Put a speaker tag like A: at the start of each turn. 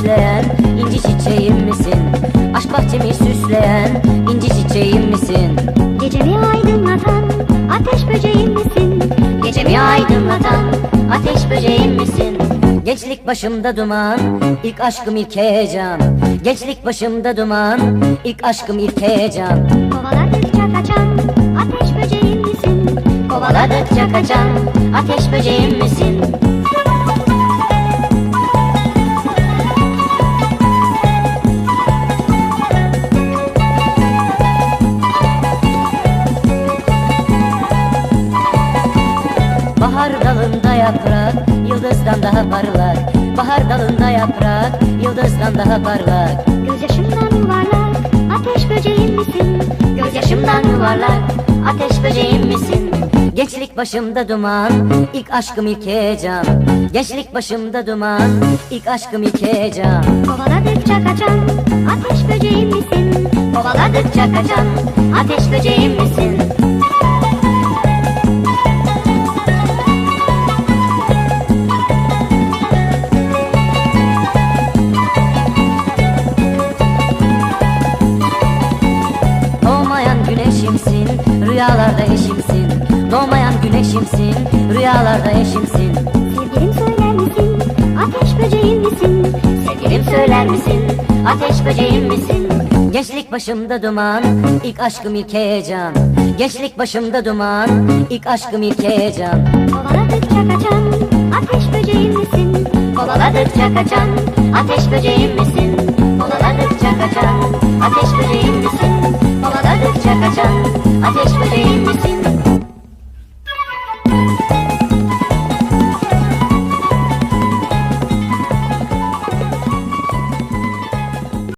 A: süsleyen inci çiçeğim misin? Aşk bahçemi süsleyen inci çiçeğim misin?
B: Gecemi aydınlatan ateş böceğim misin?
A: Gecemi aydınlatan ateş böceğim misin? Gençlik başımda duman, ilk aşkım ilk heyecan. Gençlik başımda duman, ilk aşkım ilk heyecan.
B: Kovaladıkça kaçan ateş böceğim misin?
A: Kovaladıkça kaçan ateş böceğim misin? Bahar dalında yaprak, yıldızdan daha parlak. Bahar dalında yaprak, yıldızdan daha parlak.
B: Gözyaşımdan yuvarlak ateş böceğim misin?
A: Gözyaşımdan yuvarlak, ateş böceğim misin? Gençlik başımda duman, ilk aşkım ilk heyecan. Gençlik başımda duman, ilk aşkım ilk heyecan.
B: Kovaladıkça kaçan ateş böceğim misin?
A: Kovaladıkça kaçan ateş böceğim misin? Doğmayan güneşimsin, rüyalarda eşimsin. Doğmayan güneşimsin, rüyalarda eşimsin.
B: Sevgilim söyler misin? Ateş böceğim misin?
A: Sevgilim söyler misin? Ateş böceğim misin? Gençlik başımda duman, ilk aşkım ilk heyecan. Gençlik başımda duman, ilk aşkım ilk heyecan.
B: Kovaladıkça kaçan ateş böceğim misin?
A: Kovaladıkça kaçan ateş böceğim misin? Kovaladıkça kaçan ateş böceğim misin? Kovaladıkça kaçan ateş böceğim